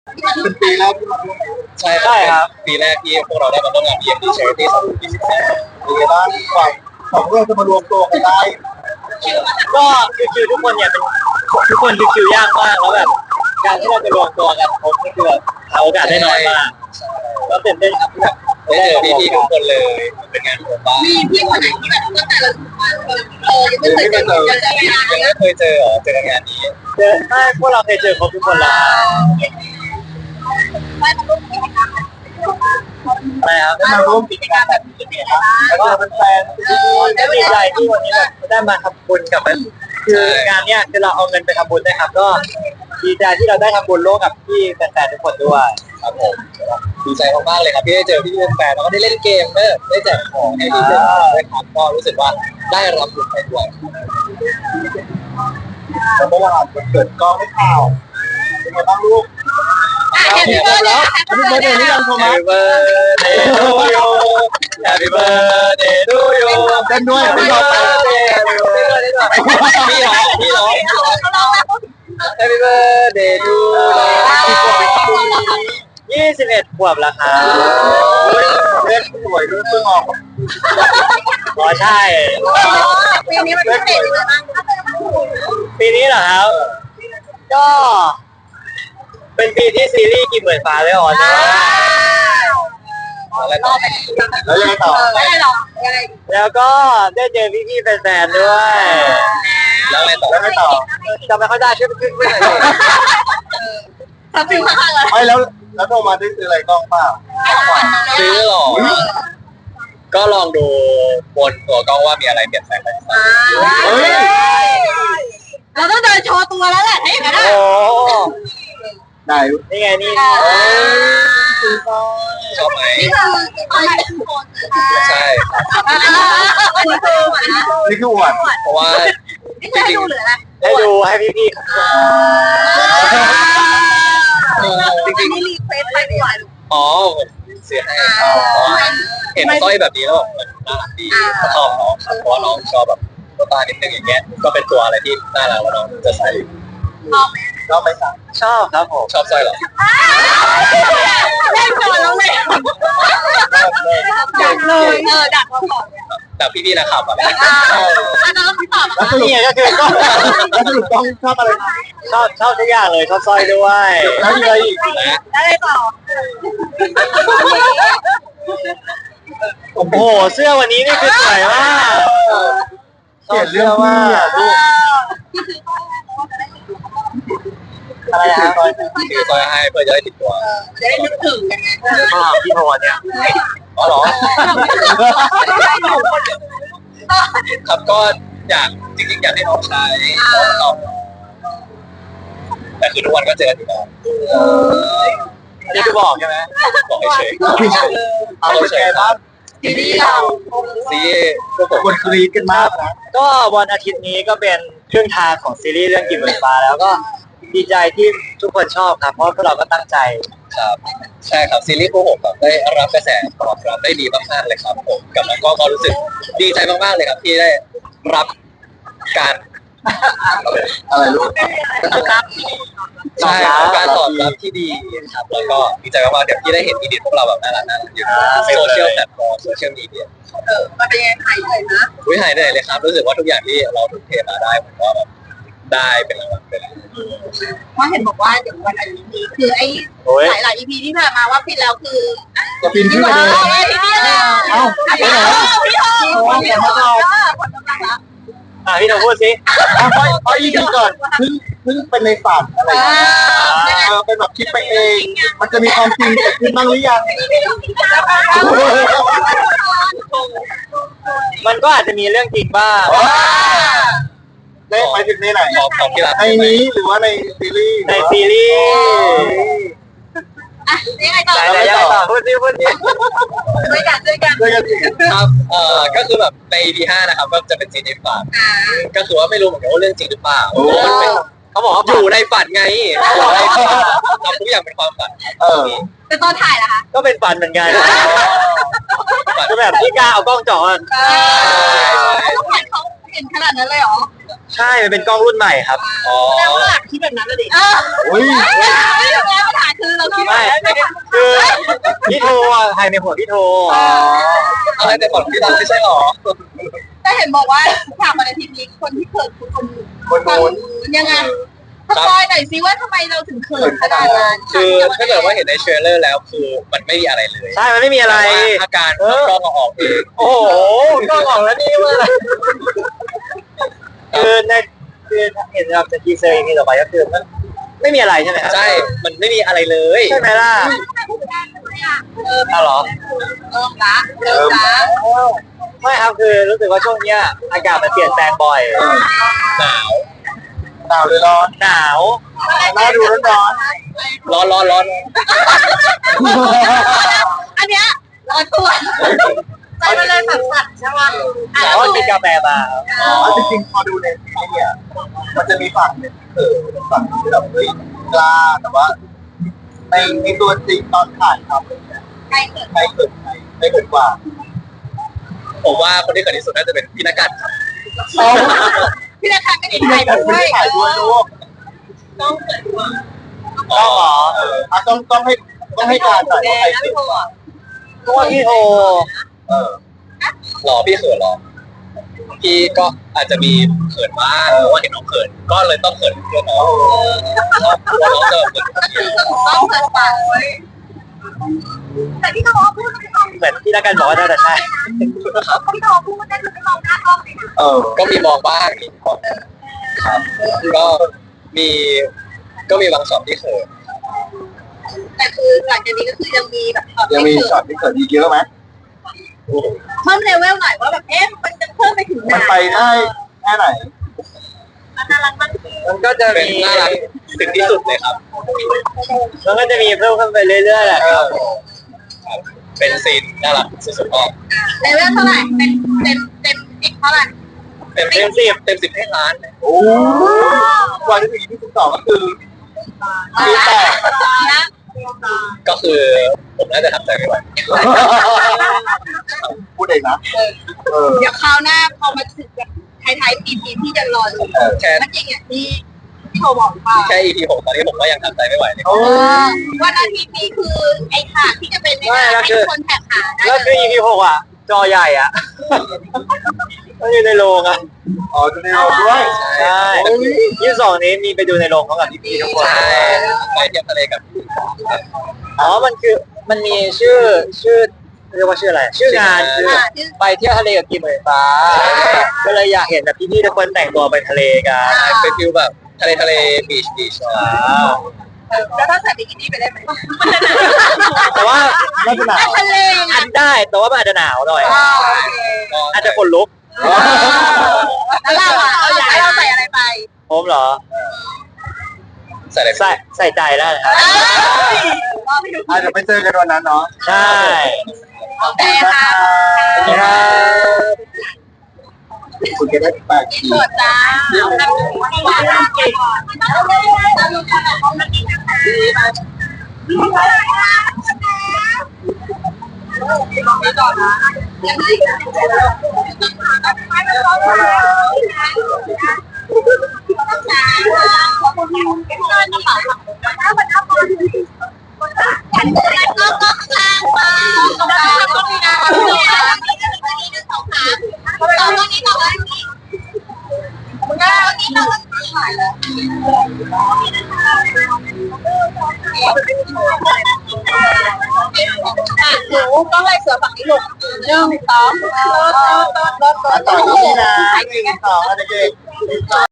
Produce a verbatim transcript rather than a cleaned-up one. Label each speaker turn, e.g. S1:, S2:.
S1: เป็นปีแรกที่มาร่วม
S2: ใช่ใช่ครับปีแรกที่พวกเราได้มาร่วมงาน บี เอ็ม ดี Charity สองพันยี่สิบสี่
S1: เป็นไงบ้างกว่าของเราจะมารวมตัวกันได้
S3: ก็คือคิวทุกคนเนี่ยเป็นทุกคนคือคิวยากมากแล้วแบบการที่เราจะรวมตัวกันครบนี่คือแบบหาโอกาสได้น้อยมากแล้วตื่นเต้นครับที่แบบ
S2: ได้เจอพี่ๆทุกคนเลยเป็นงานของบ้าน
S4: มีพี่คนไหนที่แบบตั้งแต่เราเออยังไม่เคยเจอกันเลย
S2: ยังไม่เคยเจอหรอเจองานนี้
S3: เจอไม่พวกเราเคยเจอครบทุกคนแล้ว
S4: ไม่ต้องรู้กิจกรรม
S3: ใช่ครับ
S1: ได้มาร่วมกิจกรรมแบบนี้เป็นไงบ้างแล้วก็เป็นแฟน
S3: ก็ดีใจที่วันนี้แบบได้มาทำบุญกับมันคืองานเนี้ยคือเราเอาเงินไปทำบุญนะครับก็ดีใจที่เราได้ทำบุญร่วมกับพี่แฟนๆทุกคนด้วย
S2: ครับผมดีใจมากๆเลยครับที่ได้เจอพี่ๆแฟนแล้วก็ได้เล่นเกมได้ได้แจกของให้พี่ๆด้วยครับก็รู้สึกว่าได้รับบุญไปด้วย
S1: แล้วเมื่อวานวันเกิดก็ไม่ข่าวเป็นไงบ้างลูก
S4: เห็นเบอร์เลย
S1: อันนี้เบอร์เดย์นี่ยังโทรมา
S2: Happy birthday to you Happy birthday to you
S1: เต้นด้วยไม่ยอมไป
S2: พี่ร้องพี่ร้อง
S4: เขาลองแล้ว
S2: Happy birthday to you
S3: ยี่สิบเอ็ดขวบแล้วครับ
S1: เล่นสวยด้วยเพิ่งออก
S3: อ๋อใช่
S4: ปีนี้มันพิเศษยังไงบ้าง
S3: ปีนี้เหรอครับก็เป็นปีที่ซีรีส์กี่หมื่นฟ้าได้ออนนะ
S2: อะไรต่อ
S1: แล้วยังไงต่อ
S4: ไม่ได้หรอกยังไง
S3: แล้วก็ได้เจอพี่ๆแฟนๆด้วย
S2: แล้วอะไรต่อ
S1: แล้วไงต่อ
S3: จำไม่ค่อยได้ช่วยขึ้นขึ้นหน่อย
S4: ทำฟิลข้างๆเลย
S1: ไม่แล้วแล้วโทรมาได้ซื้ออะไรกล้องเปล่า
S2: ซื้อหรอก็ลองดูบนตัวกล้องว่ามีอะไรเปลี่ยนแปลงไหม
S1: เฮ้ย
S4: เราต้องเดินโชว์ตัวแล้วแหละถ้าอย่างนั้น
S3: โอ้
S1: ไหน
S3: นี่ไงนี่
S2: ชอบไหม
S4: นี่คือคอนเทนต์โพส
S2: ใช่
S4: อันนี้คือหวานนะ
S1: นี่คืออวด
S2: เพราะว่า
S4: นี่คือให้ดูหรืออะไร
S3: ให้ดูให้พี่
S2: จริง
S4: นี่รีเควสไปหวาน
S2: ๆอ๋อผมซื้อให้เห็นสร้อยแบบนี้แล้วแบบมันน่ารักดีชอบน้องครับเพราะว่าน้องชอบแบบตัวตานิดนึงอย่างเงี้ยก็เป็นตัวอะไรที่น่ารักแล้วน้องจะใส่
S4: ชอบไหม
S1: ก็ไม่สั่ง
S3: ๆชอบครับผม
S2: ชอบสร้อยเหรอ
S4: เล่นก่อนแล้วเลยดักเลยเออดักเราก่อน
S2: แต่พี่ๆนะครับแบบ
S4: อ่าอันนั้นเราตอบ
S1: แล้วสรุป
S3: นี่ไงก็คือก็
S1: แล้วสรุปกล้องชอบอะไร
S3: ชอบชอบทุกอย่างเลยชอบสร้อยด้วย
S1: แล้วมีอะไรอีก
S4: อะไรต่อ
S3: โอ้โหเสื้อวันนี้นี่คือสวยมาก
S1: เขียนเรื่องพี่อ่ะลูก
S3: อะไร
S1: ถือ
S3: นะ
S1: ซอย
S2: ซื้อสร้อยให้เพื่อจะได้ติดตัว
S4: จะได้นึกถึงกันไง
S3: ก็พี่โทนเนี่ย
S2: อ๋อเหรอครับก็อยากจริงๆอยากให้น้องใช้น้องแต่คือทุกวันก็เจอกันอยู่แล้ว
S3: อันนี้คือบอกใช่ไหม
S2: บอกเฉย
S1: เอาเป็นไงบ้าง
S4: ทีนี้เรา
S2: ๆซีพวกผม
S1: คนกรี๊ดกันมากนะ
S3: ก็วันอาทิตย์นี้ก็เป็นครึ่งทางของซีรีส์เรื่องกินเหมือนฟ้าแล้วก็ดีใจที่ทุกคนชอบครับเพราะพวกเราก็ตั้งใจ
S2: ครับใช่ครับซีรีส์พวกผมแบบได้รับกระแสตอบรับได้ดีมากๆเลยครับผมกับน้องก็ก็รู้สึกดีใจมากๆเลยครับที่ได้รับการ
S1: อะไรลูก
S2: ใช่การตอบรับที่ดีครับแล้วก็ดีใจมากๆเดี๋ยวที่ได้เห็นอีดิทพวกเราแบบน่ารักน่ารักอยู่ในโซเชียลแพลตฟอร์มโซเชียลมีเดีย
S4: เออมันเป็นยังไงหายเลยนะ
S2: วิหายเหนื่อยเลยครับรู้สึกว่าทุกอย่างที่เราทุ่มเทมาได้ผมก็แบบได้เป็นรางวัลไปแล้ว
S4: เพราะเห็นบอกว่าเดี๋ยววันอาทิตย์นี้คือไอ้
S3: โอ้ย
S4: หลายหลาย อี พีที่ผ่านมาว่าผิดแล้วคือ
S1: จะปีนขึ้นไปเลย
S4: เอ้าพี่โทพี่โทพี่โทผลกำลังละ
S3: อ่ะพี่โทพูดสิ
S1: เอาไปเอาอีกทีก่อนเพิ่งเพิ่งเป็นในฝันอะไรอย่างเงี้ยเออเป็นแบบคิดไปเอง มันจะมีความจริงเกิดขึ้นบ้างหรือยัง
S3: มันก็อาจจะมีเรื่องจริงบ้าง
S1: ในหมายถึงในไหน
S2: ของของที่รัก
S1: ในนี้หรือว่าในซีรีส์
S3: ในซีรีส์
S4: อ่ะยังไงต่อ
S3: ไหนๆยังไงต่อพูดสิพูดสิ
S4: ด้วยกันด้วยกัน
S1: ด้วยกันสิ
S2: ครับเอ่อก็คือแบบใน อี พี ห้านะครับก็จะเป็นซีนในฝันก็คือว่าไม่รู้เหมือนกันว่าเรื่องจริงหรือเปล่ามันเป็น
S3: เขาบอกว่า
S2: อยู่ในฝันไงอยู่ในฝันทำทุกอย่างเป็นความฝัน
S1: เออ
S4: แต่ตอนถ่ายล่ะคะ
S3: ก็เป็นฝันเหมือนกันคือแบบที่กล้าเอากล้องจ่อ
S4: เออเขาเห็นเขาเห็นขนาดนั้นเลยเหรอ
S3: ใช่มันเป็นกล้องรุ่นใหม่ครับ
S2: อ๋อ
S4: แปลว่าคิดแบบนั้นเลยดิ
S1: อุ้ย
S4: ไม่ถูกแล้วปัญหาคือเราคิด
S3: ไม่คือพี่โทอ่ะถ่ายในหัวพี่โท
S2: อะไรแต่ก่อนพี่ตั้งไม่ใช่หรอ
S4: แต่เห็นบอกว่าฉากวันอาทิตย์นี้คนที่เขินคือคน
S1: คนโน้น
S4: ยังไงสปอยหน่อยซิว่าทำไมเราถึงเขินขนาดนั้น
S2: คือถ้าเกิดว่าเห็นในเทรลเลอร์แล้วคือมันไม่มีอะไรเลย
S3: ใช่มันไม่มีอะไร
S2: แต่ว่าอาการกล้องเอาออกเอง
S3: โอ้โหกล้องออกแล้วนี่ว่าคือในคือเห็นแบบทีเซอร์อย่างนี้ต่อไปก็คือมันไม่มีอะไรใช่ไหมครับ
S2: ใช่ มันไม่มีอะไรเลย
S3: ใช่ไหมล่ะ
S4: เออ
S3: อ้าวเหรอ
S4: เริ่มละเริ่มละ
S3: ไม่ครับคือรู้สึกว่าช่วงเนี้ยอากาศมันเปลี่ยนแปลงบ่อย
S2: หนาว
S1: หนาวเลยร้อน
S3: หนาว
S1: น่าดูร้อน
S2: ร้อนร้อนร้อน
S4: อันเนี้ยร้อนตัวใจมันเลยสั่นๆใช่ไหม
S3: เพราะกินกาแฟมา
S1: เอาจริงๆพอดูในซีรีส์เนี่ยมันจะมีฝั่งหนึ่งเออฝั่งที่แบบเฮ้ยกล้าแต่ว่าในในตัวจริงตอนถ่ายทำเนี่ย
S4: ใครเกิด
S1: ใครเกิดใครไม่เกิดกว่า
S2: ผมว่าคนที่เกิดที่สุดน่าจะเป็นพี่นักการครับ
S4: พี่นาคาก็ดี
S1: ที่
S4: ใจ
S1: ถ่าย
S4: ด้
S1: ด้
S4: ว
S1: วย
S4: ย
S1: ถ่ายด้วยลูก
S4: ต้องเกิดว่า
S1: ต้องเหรอเอออ่ะต้องต้องให้ต้องให้การหน่อยว่าใครเกิด
S3: เพราะว่าพี่โท
S1: เออ
S2: หรอพี่เขินหรอพี่ก็อาจจะมีเขินบ้างเพราะว่าเห็นน้องเขินก็เลยต้องเขินเพื่อนน้องเพราะว่าน้องจะเขินคนเดียว
S4: ต้องเกิดปากเลยแต่ที่เขาพูดไม่มอง
S3: เหมือนที่นักการบอกว่าน่าจะใช่
S4: พี่เขาพูดได้คือไม่มองหน้ากล้องเลยนะ
S1: เออ
S2: ก็มีมองบ้างมีมองครับก็มีก็มีบางช็อตที่เขิน
S4: แต่คือหลังจากนี้ก็คือยังมีแบบ
S1: ยังมีช็อตที่เกิดอีกเยอะไหม
S4: เพิ่มเลเวลหน่อยว่าแบบเอ๊ะมันจะเพิ่มไปถึงไหน
S1: มันไปได้แค่ไหน
S4: มันน่ารักมาก
S3: มันก็จะ
S2: เป็น
S3: มี
S2: น่ารักถึงที่สุดเลยครับ
S3: มันก็จะมีเพิ่มขึ้นไปเรื่อยๆแหละ
S1: เอ
S3: ครั
S1: อบ
S2: ครับเป็นซีนน่ารักสุดๆก็
S4: เลเวลเท่าไหร่เป็นเต็มเต็มสิบเท่าไหร่
S2: เต็มเต็มสิบเต็มสิบให้ล้าน
S1: โอ้กว่าจะถึงที่สิบสองก็คือมีแต่
S4: นะ
S2: ก็คือผมน่าจะทำใจไม่ไหว
S1: พูดเองนะเออ
S4: เดี๋ยวคราวหน้าพอมาถึงแบบท้ายๆปีที่พี่จะรอดู
S1: เออ
S2: แค่
S4: มันจริงอย่างที่ที่โทรบอกเปล่า
S2: แค่ อี พี หกตอนนี้ผมก็ยังทำใจไม่ไหวเลย
S1: โอ้
S4: วันอาทิตย์นี้คือไอ้ขาที่จะเป็นในงานให้คนแท็กหาได้
S3: แล้วคือ อี พี หกอ่ะ จอใหญ่อ่ะมันอยู่ในโรงอ่ะ
S1: อ๋อจะได้เราด้วย
S3: ใช่ยี่สิบสองนี้มีไปดูในโรงเขากับพี่ๆทุกคน
S2: ใช่ไปเที่ยวทะเลกับ
S3: อ๋อ มันคือ มันมีชื่อ ชื่อ เรียกว่าชื่ออะไร ชื่องานคือ
S4: อ่าที่
S3: ไปเที่ยวทะเลกับกิมเหมยฟ้า ก็เลยอยากเห็นแบบพี่ๆทุกคนแต่งตัวไปทะเลกัน
S2: เป็นฟิลแบบทะเลทะเลบีชบีช
S3: อ่า
S4: แล้วถ้าใส่บิกินี่ไปได้ไหม
S3: แต่ว่า
S1: ไม่เป็นไร
S4: ทะเลไง
S3: อันได้ แต่ว่ามันอาจจะหนาวหน่อย
S4: อ่าโอเค
S3: อาจจะขนลุก
S4: แล้วเราอ่ะเราอยากให้เราใส่อะไรไป
S3: ผมเหรอ
S2: ใส่อะไร
S3: ใส่ ใส่ใจได้นะครับ
S4: เราไปดู
S1: อาจจะไปเจอกันวันนั้นเนาะ
S3: ใช่
S4: โอเคค่ะ
S3: ครับ
S1: คุณจะได้แปด
S4: กิน
S1: ที
S4: สดจ้าเอาน้ำหมูหวานน้ำเก่งเราเลยเราดูกันแบบของนักกินนะคะไปต่อนะยังไงไม่ไม่ร้องเลยขอบคุณที่เป็นเพื่อนนะคะถ้าวันน้ำมันกันก็ก็ข้างมาตรงกลางตรงนี้นะตรงนี้นะตรงนี้หนึ่งสองสามต่อตรงนี้ต่อตรงนี้มึงอ่ะตรงนี้ต่อตรงนี้หายแล้วหนูต้องไล่เสือฝั่งนี้ลงหนึ่งสองรถรถรถรถ
S1: ต่อที่นี่นะหนึ่งสองอะไรเงี้ย